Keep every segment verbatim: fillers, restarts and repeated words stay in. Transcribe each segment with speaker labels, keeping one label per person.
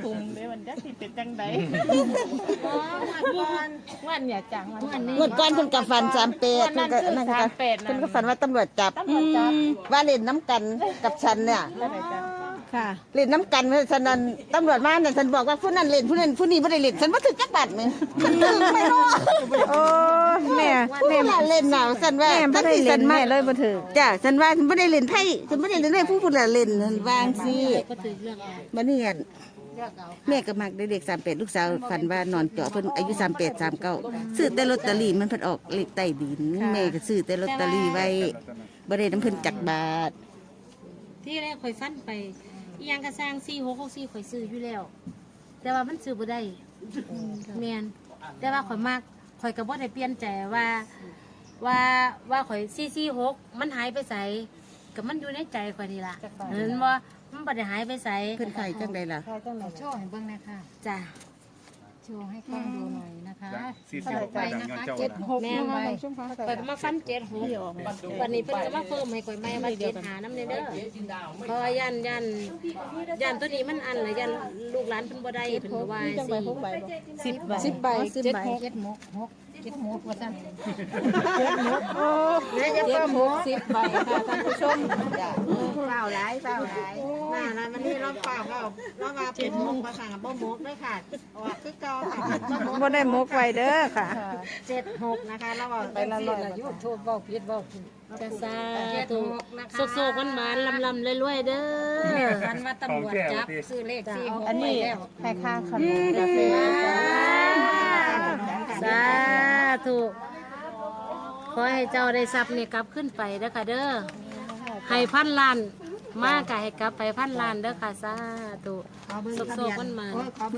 Speaker 1: ปุ่มเลยวันจักสิเป็นจังไดวันเนี่ยจังวันนี้
Speaker 2: งวดก่อนเพิ่นกับฟันสามแปดเพิ่นก็นั่นก็เพิ่นก็ฝันว่าตำรวจจับว่าเล่นน้ำกันกับฉันเนี่ยค่ะเล่นน้ำกันฉะนั้นตำรวจมาเนี่ยฉันบอกว่าผู้นั้นเล่นผู้นั้นผู้นี้ไม่ได้เล่นฉันว่าถึงจักบาทมั้ยฉันถึงไม่รู้โอ้แม่แม่เล่นหนาวฉันว่าแม่ไม่ได้เล่นแม่เลยบ่ถึงจ้ะฉันว่าฉันไม่ได้เล่นไพ่ฉันไม่ได้เล่นไพ่ผู้ผู้เล่นวางสิบัดนี้แม่ก็มักเด็กสามแปดลูกสาวฝันว่านอนเจาะเพิ่นอายุสามแปดสามเก้าซื้อแต่ลอตเตอรี่มันเพิ่นออกเลขใต้ดินแม่ก็ซื้อแต่ลอตเตอรี่ไว้บ่ได้น้ำเพิ่นจักบาท
Speaker 3: ที่แรกข่อยฟันไปอีหยังกระสร้างสี่หกหกสี่ข่อยซื้ออยู่แล้วแต่ว่ามันซื้อบ่ได้แม่นแต่ว่าข่อยมากข่อยก็บ่ได้เปลี่ยนใจว่าว่าว่าข่อยสี่สี่หกมันหายไปไสก็มันอยู่ในใจข่อยนี่ล่ะเห็นบ่มันบ่ได้หายไปไส
Speaker 2: เพิ่นไข่จังได๋ล่ะ
Speaker 4: โชว์ให้เบิ่งหน่อยค่ะ
Speaker 3: จ้ะ
Speaker 4: โชว์ให้กล้องดูหน่อยนะคะ
Speaker 5: เท่าไหร่ไปนะคะ
Speaker 4: เจ็ดหก
Speaker 3: แม่ข่อยก็มาฟันเจ็ดหกวันนี้เพิ่นก็มาเพิ่มให้ข่อยใหม่มาเจ็ดหาน้ำเด้อเพราะยันยันยันตัวนี้มันอันละยันลูกหลานเพิ่นบ่ได้เพิ่นก็ว่าสิ
Speaker 1: สิบใบ
Speaker 4: สิบใบเจ็ดหกหกเจ็ดหกว่าซั่น
Speaker 1: เจ็ดหกโอ้เจ็ดหกสิบใบค่ะท่านผู้ชมเปล่าหลายเปล่าหลายน่านะวันนี้เราเปล่าเปล่าเรามาเป็นมกมาค่ะบ่มกด้วยค่ะออกคือเก่าค่ะบ่ได้มกไว้เด้อค่ะเจ็ดหกนะคะเราเอาไปละร้อย
Speaker 4: ยูทูบเว้าผิดเว้าผิด
Speaker 3: จะซาถูกโซกๆหวานๆลำๆรวยๆเด้อ
Speaker 4: กันว่าตำรวจจับซื้อเลขสี่หก
Speaker 1: อันนี้ให้ค่าขนมกาแฟ
Speaker 3: สาธุขอให้เจ้าได้ทรัพย์นี่กลับขึ้นไปเด้อค่ะเด้อให้พันล้านมากกะให้กลับไปพันล้านเด้อค่ะสาธุโซกๆมันมา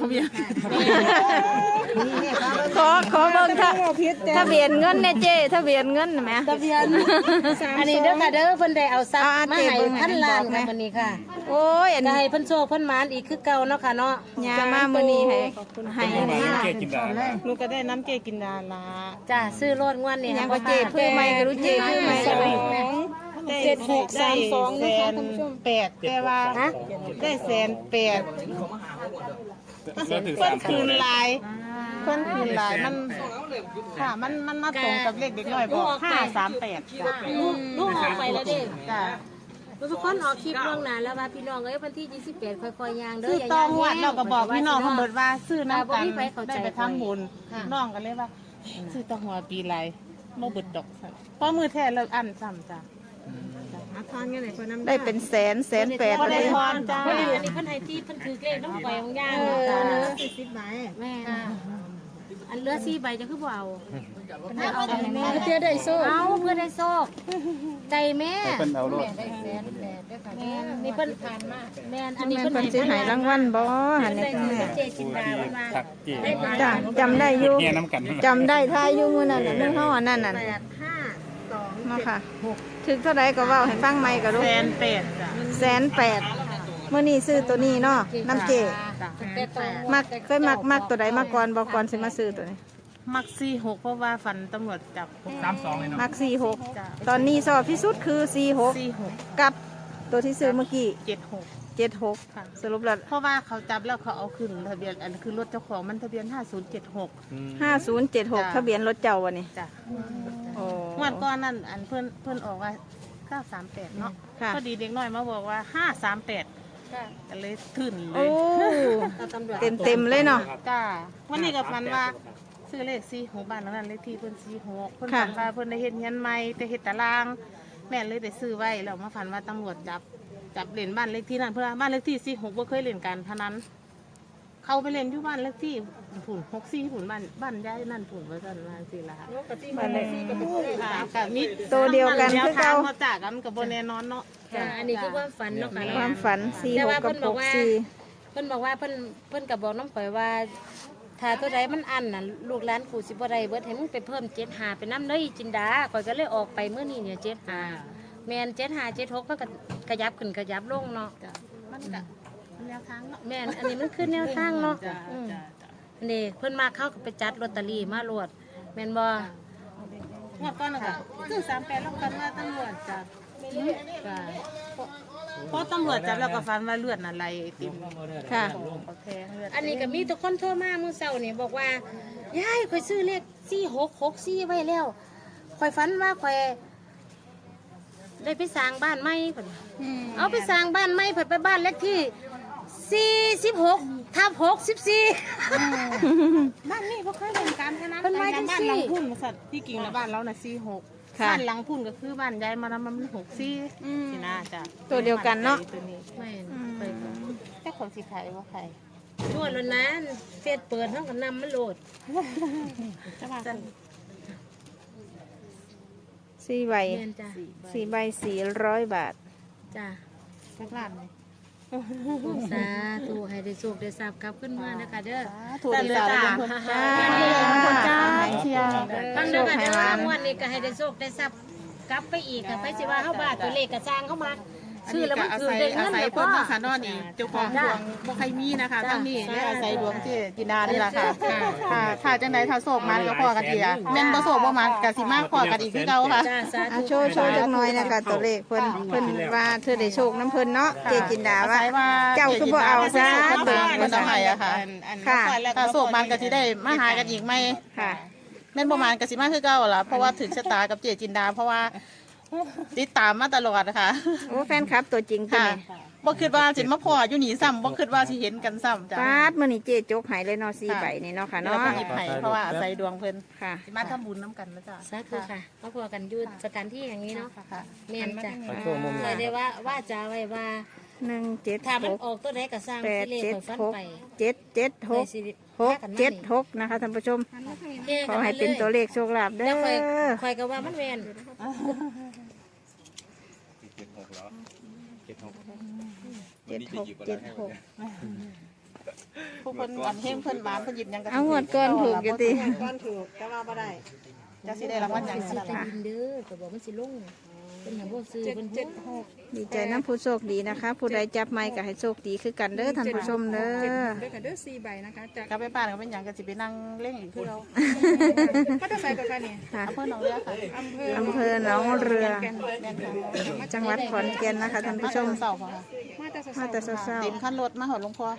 Speaker 2: ขอขอเบิ่งค่ะทะเบียนเงินเนี่ยเจ้ทะเบียนเงินแหม
Speaker 3: ทะเบียนอันนี้เด้อค่ะเด้อเพิ่นได้เอาทรัพย์มาให้พันล้านค่ะวันนี้ค่ะ
Speaker 2: โอ้ยอันนี้
Speaker 3: ให้เพิ่นโชคเพิ่นหมานอีกคือเก่าเนาะค่ะเนาะ
Speaker 2: ยามามื้อนี้ให้ให้
Speaker 1: ลูกก็ได้น้ำเกกินดาละ
Speaker 3: จ้าซื้อรถงวดนี่
Speaker 2: ยังก็เจ้เพื่อใหม่ก็รู้เจ้เพื่อใหม่ก็
Speaker 1: เจ็ดหกสามสองนะคะท่านผู้ชมแปดแต่ว่าได้แสนแปดเพิ่นคืนลายเพิ่นคืนลายมันค่ะมันมันมาตรงกับเลขเด็กน้อยบอกห้าสามแปดจ้ะ
Speaker 3: ลูกออกไปแล้วเด้
Speaker 1: จ้ะ
Speaker 3: ทุกคนออกคลิปล่วงหน้าแล้วว่าพี่น้องเอ้ยวันที่ยี่สิบแปดค่อยๆย่างเด้อ
Speaker 1: อย่าย่างแห้งเราก็บอกพี่น้องเขาเบิดว่าซื้อน้ำกันได้ไปทำบุญน้องกันเลยว่าซื้อตะหัวปีไรโมเบิดดอกเพราะมือแท้เลิกอันซ้ำจ้ะ
Speaker 2: ได้เป็นแสนแสนแปด
Speaker 1: ได้ทอนจ้า
Speaker 3: อันนี้เพิ่นให้ที่เพิ่นถือเลขน้ำไฟของย่าง
Speaker 1: สี่สิบใบ
Speaker 3: แม่อันเหลือสี่ใบจะคือบ่เอา
Speaker 4: เอาแม่เพื่อได้โซ่
Speaker 3: เอาเพื่อได้โซ่ใจแม่
Speaker 5: เพิ่นเอาโลด
Speaker 3: แม่นี่เพิ่นผ่านมาแม่อันนี้
Speaker 2: เพิ่นสิให้รางวัลบ่หั่นนี่แม่
Speaker 3: เจจินดามา
Speaker 2: จ้ะจำได้อยู่จำได้ทายอยู่มื้อนั้นน่ะมื้อเฮาอันนั้นน่ะเนาะค่ะถึงเท่าใดก็เว้าให้ฟังใหม่ก็รู้
Speaker 1: แสนแปดจ้ะ
Speaker 2: แสนแปดมื้อนี้ซื้อตัวนี้เนาะน้ำเจมักเคยมักมักตัวใดมาก่อนบ่ก่อนสิมาซื้อตัวนี้
Speaker 1: มักสี่หกเพราะว่าฝันตำรวจจับ
Speaker 5: สามสองเลยเนาะ
Speaker 2: มักสี่หกตอนนี้สอบที่สุดคือสี่หกกับตัวที่ซื้อเมื่อกี้
Speaker 1: เจ็ดหก
Speaker 2: เจ็ดหกสรุปแล้ว
Speaker 1: เพราะว่าเขาจับแล้วเขาเอาขึ้นทะเบียนอันคือรถเจ้าของมันทะเบียนห้าศูนย์เจ็ดหก
Speaker 2: ห้าศูนย์เจ็ดหกทะเบียนรถเจ้าวันนี้
Speaker 1: จ้ะโอ้เมื่อก่อนนั่นอันเพื่อนเพื่อนออกว่าเก้าสามแปดเนาะพอดีเด็กน้อยมาบอกว่าห้าสามแปดก็เลยขึ้นเลย
Speaker 2: เต็มเต็มเลยเนาะ
Speaker 1: จ้าวันนี้กับฟันว่าซื้อเลขสี่หกบ้านนั้นเลขที่เพื่อนสี่หกเพื่อนฝันว่าเพื่อนได้เห็นเงินใหม่แต่เห็นตารางแม่เลยได้ซื้อไว้แล้วมาฝันว่าตำรวจจับจับเล่นบ้านเลขที่นั่นเพื่อบ้านเลขที่สี่หกว่าเคยเล่นกันพนันเขาไปเล่นที่บ้านเลขที่ผุนหกสี่ผุนบ้านบ้านย้ายนั่นผุนไว้กันมาสิละค่ะบ้านเลขที่กับกับมิ
Speaker 2: ตัวเดียวกันคือ
Speaker 1: เขาเขาจากกันกับโบเนนอนเนาะ
Speaker 3: อันนี้คือความฝันเนาะค่ะ
Speaker 2: ความฝันสี่หกกับหกสี่
Speaker 3: เพิ่นบอกว่าเพิ่นเพิ่นกับบอกน้องปล่อยว่าถ้าตัวใดมันอันน่ะลูกหลานกูสิบ่ได้เบิดให้มึงไปเพิ่มเจ็ดหาไปน้ำเลยจินดาข่อยก็เลยออกไปเมื่อนี้เนี่ยเจ็ดหาแมนเจ็ดหาเจ็ดหกก็กระยับขึ้นกระยับลงเนาะ
Speaker 1: มันกะแนวทางเนาะ
Speaker 3: แมนอันนี้มันขึ้นแนวทางเนาะนี่เพิ่นมาเข้าไปจัดลอตเตอรี่มาโหลดแมนบ่
Speaker 1: งวดก่อนนะคะคือสามแปดแล้วกันว่าตำรวจจับเพราะตำรวจจับแล้วก็ฟันว่าเลือดน่ะไหลไอติม
Speaker 2: ค่ะ
Speaker 1: เขาแทงเลือด
Speaker 3: อันนี้ก็มีทุกคนโทรมาเมื่อเช้านี่บอกว่ายายข่อยซื้อเลขสี่หกหกสี่ไว้แล้วข่อยฝันว่าข่อยได้ไปสร้างบ้านใหม่เพิ่นเอาไปสร้างบ้านใหม่เพิ่นไปบ้านเลขที่สี่สิบหกทับหกสิบสี่
Speaker 1: บ้านนี้บ่เคยเป็นการพนัน
Speaker 3: เพิ่นว่าจังซี่
Speaker 1: บ้านหลังพุ่นสัตว์ที่กิ่งแล้วบ้านเราน่ะสี่หก
Speaker 2: ค่ะ
Speaker 1: บ้านหลังพุ่นก็คือบ้านยายมานำมันหกสี่สินะจ้ะ
Speaker 2: ตัวเดียวกันเนาะ
Speaker 1: ตัวนี้
Speaker 3: ไม่
Speaker 1: ไปแต่ของสิขายว่าใคร
Speaker 3: นวดแล้วนั้นเฟซเปิดเฮาก็นำมันโหลด
Speaker 1: จะว่า
Speaker 2: สี่ใบ
Speaker 3: แม่นจ้ะ
Speaker 2: สี่ใบสี่ร้อยบาท
Speaker 3: จ้ะ
Speaker 1: สักล้านเลย
Speaker 3: สาธุให้ได้โชคได้ทราบกลับขึ้นมานะคะเด้อ
Speaker 1: ถูกดีสาวเลยคน
Speaker 2: จ้า
Speaker 1: จ้าเชียร์
Speaker 3: ฟังเด้อค่ะเด้องวดนี้ก็ให้ได้โชคได้ทรัพย์กลับไปอีกก็ไปสิว่าเฮาบ้าตัวเลขก็สร้างเข้ามาชื่อแล้วมันคือได้เงิน
Speaker 1: อาศัย
Speaker 3: แล้ว
Speaker 1: เพิ่
Speaker 3: ก็
Speaker 1: นนะคะนอนนี่เจ้าของดวงบ่ใครมีนะคะตั้งนี่และอาศัยดวงที่จินดานี่แหละค่ะค่ะถ้าจังไดถ้าโศกมันก็พอกันอีกอ่ะแม่นบ่โศกบ่มันก็สิมาพอกันอีกคือเก่าค่ะ
Speaker 3: จ้าสา
Speaker 2: อ่ะ
Speaker 3: ธุ
Speaker 2: โชว์โชว์จักหน่อยนะคะตัวเลขเพิ่นเพิ่นว่าเธอได้โชคน้ำเพิ่นเนาะเจจินดาว่า เจ้าคือบ่เอาซะ
Speaker 1: เพิ่นเบิ่งเพิ่นเอาให้อะค่ะ
Speaker 2: ค่ะ
Speaker 1: ถ้าโศกมันก็สิได้มาหากันอีกไหม
Speaker 2: ค่ะ
Speaker 1: แม่นบ่มันก็สิมาคือเก่าล่ะเพราะว่าถึงชะตากับเจจินดา เพราะว่าติดตามมาตลอดนะคะ
Speaker 2: โอ้แฟนคลับตัวจริงตัว
Speaker 1: ค่ะ
Speaker 2: นี้
Speaker 1: บ่คิดว่าสิมาพออยู่นี่ซ้ำบ่คิดว่าสิเห็นกันซ้ำจ้ะ
Speaker 2: ปาดมื้อนี้เจจกหายเลยเนาะสี่ใบนี่เนาะค่ะ
Speaker 1: เรา
Speaker 2: เนาะ
Speaker 1: ก็หยิบให้เพราะว่าอาศัยดวงเพิ่น
Speaker 2: ค่ะ
Speaker 1: สิมาทำบุญน้ำกันนะจ๊ะ
Speaker 3: สาธุค่ะมาพอกันอยู่สถานที่อย่างนี้เนาะ
Speaker 1: ค่ะ
Speaker 3: แม่นจ้ะ
Speaker 2: อ่า
Speaker 3: เคยได้ว่าว่าจะไว้ว่า
Speaker 2: หนึ่งเจ็ด
Speaker 3: ถ้า
Speaker 2: ห
Speaker 3: มัน
Speaker 2: ก
Speaker 3: ออกตัวใดก็สร้าง
Speaker 2: แปด
Speaker 3: สิเลข
Speaker 2: เจ็ด
Speaker 3: ข่อยฟัน
Speaker 2: หก
Speaker 3: ไป
Speaker 2: เจ็ดเจ็ดหก
Speaker 3: ไปสิ
Speaker 2: หก
Speaker 3: พากันมา
Speaker 2: เจ็ด
Speaker 3: นี่
Speaker 2: หกนะคะท่านผู้ชม
Speaker 3: เฮ้
Speaker 2: ขอให้เป็นตัวเลขโชคลาภเด้
Speaker 3: แล้ว
Speaker 2: อ
Speaker 3: ข่อยข่อยก็ว่ามันแม่น
Speaker 5: เจ็ดหกแล้วเจ็ดหก
Speaker 2: เจ็ดหกเจ็ดหก
Speaker 1: ผู้เพิ่นอันเฮงเพิ่นหวานเพิ่นหยิบหยังก็
Speaker 2: เอางวดก่อนถูกอยู่ติ
Speaker 1: ก่อนถูกแต่ว่าบ่ได้จะสิได้รางวัลหยัง
Speaker 3: สิ
Speaker 1: นั่น
Speaker 3: ใต้
Speaker 1: ล่ะ
Speaker 3: ดินเด้อก็บอกมันสิลงเป็นหยังบ่ซื้อเป็นหก
Speaker 2: ดีใจน้ำผู้โชคดีนะคะ ผู้ใดจับไม้ก็ให้โชคดีคือกันเด้อท่านผู้ชมเด้อ
Speaker 4: ด้วยกันเด้อสี่ใบนะคะจาก
Speaker 1: กลับไปบ้านก็เป็นหยังก็สิไปนั่งเล่นอีกคือเรา
Speaker 4: ก็จะใส่กับกันนี่
Speaker 2: ค่ะ
Speaker 1: อำเภอหนองเรือค่ะ
Speaker 4: อำเภอ
Speaker 2: อำเภอหนองเรือ
Speaker 1: แม่นค่ะ
Speaker 2: จังหวัดขอนแก่นนะคะท่านผู้ชม
Speaker 1: เสาร์ค่ะ
Speaker 4: มาแต่
Speaker 2: มาแต่เช้า
Speaker 1: เต็มคันรถมาหอดหลวงพ่อ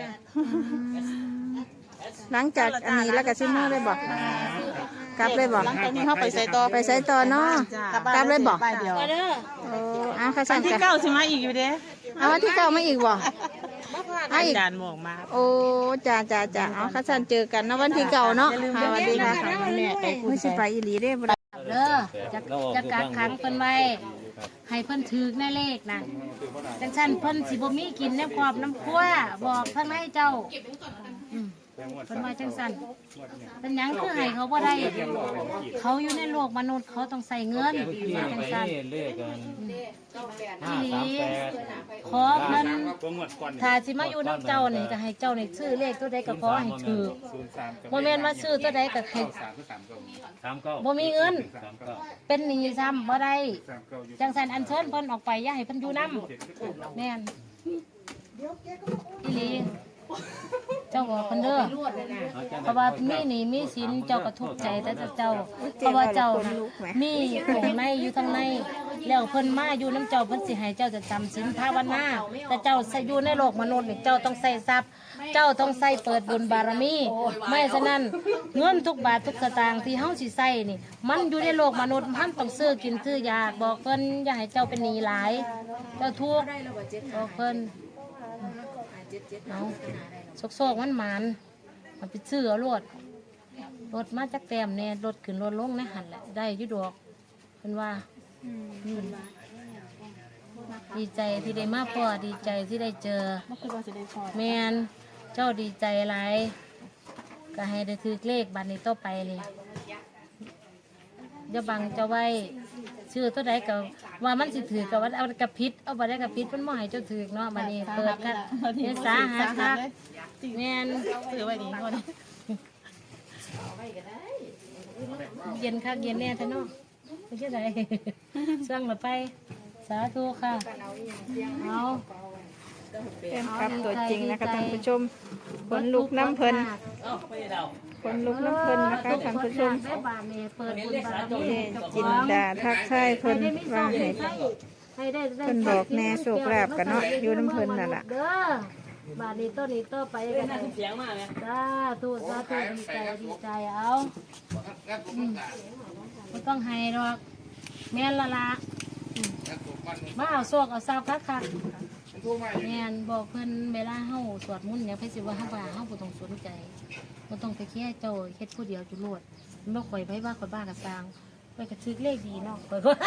Speaker 2: ๆหลังจากอันนี้แล้วก็ซิมือเลยบอกกลับเลยบอก
Speaker 1: หลังจากนี้เขาไปใส่ต่อ
Speaker 2: ไปใส่ต่อเนาะกลับเลยบอก
Speaker 1: ไปเดียว
Speaker 3: ก็เด้อ
Speaker 2: โอ้เอาข้า
Speaker 1: วั
Speaker 2: สั่
Speaker 1: น
Speaker 2: น
Speaker 1: ที่
Speaker 2: กัน
Speaker 1: เก้าสิมาอีกอยู่เด้
Speaker 2: เอาวันที่เก้ามาอีกบ่เอาอีก
Speaker 1: จานหมอกมา
Speaker 2: โอ้จ้าจ้าจ้าเอาข้าสั่นเจอกันนะวันที่เก้าเนาะ
Speaker 1: อย่าลืม
Speaker 2: ค่ะสวัสดีค่ะ
Speaker 1: แม่ไปพูด
Speaker 2: ไม่ใช่ไปอีหลีเด้บ่ได้
Speaker 3: เด้อจะจะกักขังเพิ่นไว้ให้เพิ่นถือในเลขนะจังซั่นเพิ่นสิบ่มีกินน้ำครอบน้ำครัวบอกทางในเจ้าอืมเพิ่นว่าจังซั่นเป็นหยังคือให้เขาบ่ได้ เขาอยู่ในโลกมนุษย์เขาต้องใส่เงินว่าจังซั่น
Speaker 5: เลขกัน
Speaker 3: อีหลีขอเพิ่น
Speaker 5: ตัวงวดก่อน
Speaker 3: ถ้าสิมาอยู่น้ำเจ้านี่ก็ให้เจ้านี่ซื้อเลขตัวใดก็ขอให้ถือ
Speaker 5: ศูนย์สาม
Speaker 3: บ่แม่นว่าซื้อตัวใดก็ให้
Speaker 5: สามสามเก้าสามเก้า
Speaker 3: บ่มีเงิน
Speaker 5: สามเก้า
Speaker 3: เป็นหนี้ซ้ำบ่ได้
Speaker 5: สามเก้าอยู่
Speaker 3: จังสันอันเชิญเพิ่นออกไปอย่าให้เพิ่นอยู่นำแม่นอีหลีเจ้าบอกเพิ่นเด้อเพราะว่ามีหนี้มีสินเจ้าก็ทุกข์ใจแต่เจ้าเพราะว่าเจ้าน่ะมีของในอยู่ทางในแล้วเพิ่นมาอยู่น้ำเจ้าเพิ่นสิให้เจ้าจะจำศีลภาวนาแต่เจ้าใส่อยู่ในโลกมนุษย์นี่เจ้าต้องใส่ทรัพย์ เจ้าต้องใส่เปิดบุญบารมีไม่ฉะนั้นเงินทุกบาททุกสตางค์ที่เฮาสิใส่นี่ มันอยู่ในโลกมนุษย์มันต้องซื้อกินซื้อยาบอกเพิ่นอย่าให้เจ้าเป็นหนี้หลาย เจ้าทุกข์บอกเพิ่นเอาโซกๆมันหมันมันไปซื้อเอารถรถมาจากแต้มเนี่ยรถขึ้นรถลงในหันแหละได้อยุดอกเพิ่นว่าอืมดีใจที่ได้มาพ่อดีใจที่ได้เจอ
Speaker 1: ไม่คิดว่าจะได้พอ
Speaker 3: แมนเจ้าดีใจหลายก็ให้ได้ถือเลขบัตรนี้ต่อไปเลยอย่าบังเจ้าไว้ชื่อตัวใดก็ว่ามันสิถือกับว่าเอากระพิษเอาบัตรได้กระพิษมันบ่ให้เจ้าถือเนาะบัดนี้เปิดกันเนี่ยสาหัสคักแมน
Speaker 1: ซื้อไว้ดีก่อน
Speaker 3: เย็นคักเย็นแน่ท่านเนาะไม่ใช่ไร สั่งละไป สาธุค่ะเอา
Speaker 2: เป็นครับตัวจริงนะคะท่านผู้ชมผลลูกน้ำเพลินผลลูกน้ำเพลินนะคะท่านผู้ชม
Speaker 3: แม่บานเนี่ยเปิดบุญบารมี
Speaker 2: เจจินดาทักทายเพลินว่าให้
Speaker 3: ให้ได้ได้
Speaker 2: เพิ่นบอกแน่โชคลาภกันเนาะอยู่น้ำเพิ่นนั่นล่ะ
Speaker 3: เด้อบาดนี้ต้นนี้ต่อไปกันนะเสียงมากเลยสาธุสาธุดีใจดีใจเอาอืมไม่ต้องให้หรอกแม่นละละอืมมาเอาโชคเอาทรัพย์คักคักแม่นบอกเพิ่นเวลาเฮาสวดมนต์เนี่ยเพิ่นสิว่าเฮาว่าเฮาบ่ต้องสนใจบ่ต้องไปแค่เจ้าเฮ็ดผู้เดียวจุโลดมันบ่ข่อยไปว่าข่อยบ้ากะสร้างไปกระทึกเลขดีเนาะข่อยก็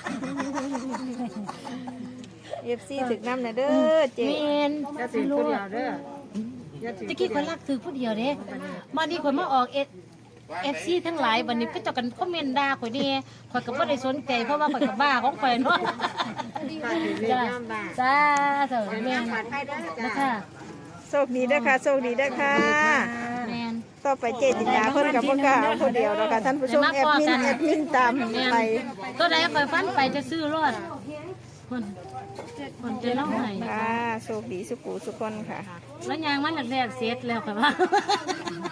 Speaker 4: เอฟซีถึกน้ำนะเด้อเจ๊
Speaker 3: แม่น
Speaker 1: จะถือผู้เดียวเด้ออย่าถือ
Speaker 3: ตะกี้ข่อยรักถือผู้เดียวเด้มานี่ข่อยมาออกเอเอฟซีทั้งหลายวันนี้ก็เจะกันคอมเมนต์ด่าข่อยนี่ข่อยก็บ่ได้สนใจเพราะว่าข่อยก็บ้าของข่อยเนาะ
Speaker 1: ค่ะถือเลข
Speaker 3: จ้า
Speaker 1: ย่ำบ้าน
Speaker 3: จ้าเถอะแม่นนะคะ
Speaker 4: โชคดีเด้อค่ะโชคดีเด้อค่ะ
Speaker 3: แม่น
Speaker 4: ต่อไปเจ๊จินดาเพิ่นกับพ่อกล้าเอาคนเดียวแล้วค่ะท่านผู้ชมแอดมินแอดมินตาม
Speaker 3: แม่น
Speaker 4: ไป
Speaker 3: ตัวใดข่อยฟันไปจะซื้อรอดคนคนจะเล่าให้
Speaker 4: ค่ะโชคดีสุขุสุขคนค่ะ
Speaker 3: แล้วยางมันแรกๆเสร็จแล้วข่อยว่า